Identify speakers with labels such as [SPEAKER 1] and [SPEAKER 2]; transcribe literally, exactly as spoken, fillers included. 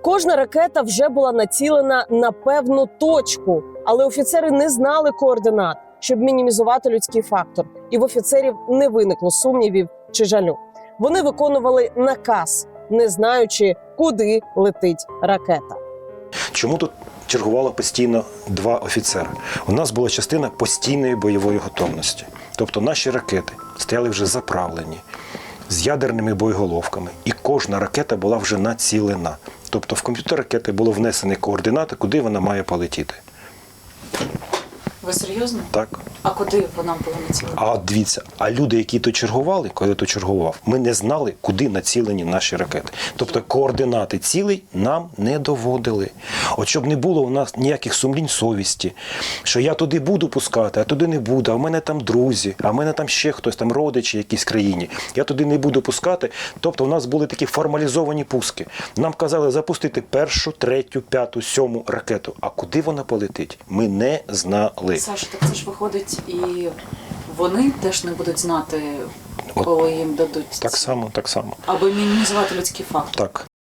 [SPEAKER 1] Кожна ракета вже була націлена на певну точку, але офіцери не знали координат, щоб мінімізувати людський фактор. І в офіцерів не виникло сумнівів чи жалю. Вони виконували наказ, не знаючи, куди летить ракета.
[SPEAKER 2] Чому тут чергувало постійно два офіцери? У нас була частина постійної бойової готовності. Тобто наші ракети стояли вже заправлені, з ядерними боєголовками. І кожна ракета була вже націлена. Тобто в комп'ютер ракети було внесені координати, куди вона має полетіти.
[SPEAKER 3] Ви серйозно?
[SPEAKER 2] Так.
[SPEAKER 3] А куди вона була націлена?
[SPEAKER 2] А дивіться, а люди, які тут чергували, коли тут чергував, ми не знали, куди націлені наші ракети. Тобто координати цілей нам не доводили. От щоб не було у нас ніяких сумлінь совісті, що я туди буду пускати, а туди не буду, а в мене там друзі, а в мене там ще хтось, там родичі в якійсь країні, я туди не буду пускати. Тобто у нас були такі формалізовані пуски. Нам казали запустити першу, третю, п'яту, сьому ракету. А куди вона полетить? Ми не знали.
[SPEAKER 3] Саша, так це ж виходить, і вони теж не будуть знати, коли їм дадуть.
[SPEAKER 2] Так само, так само.
[SPEAKER 3] Аби мінімізувати людський фактор.
[SPEAKER 2] Так.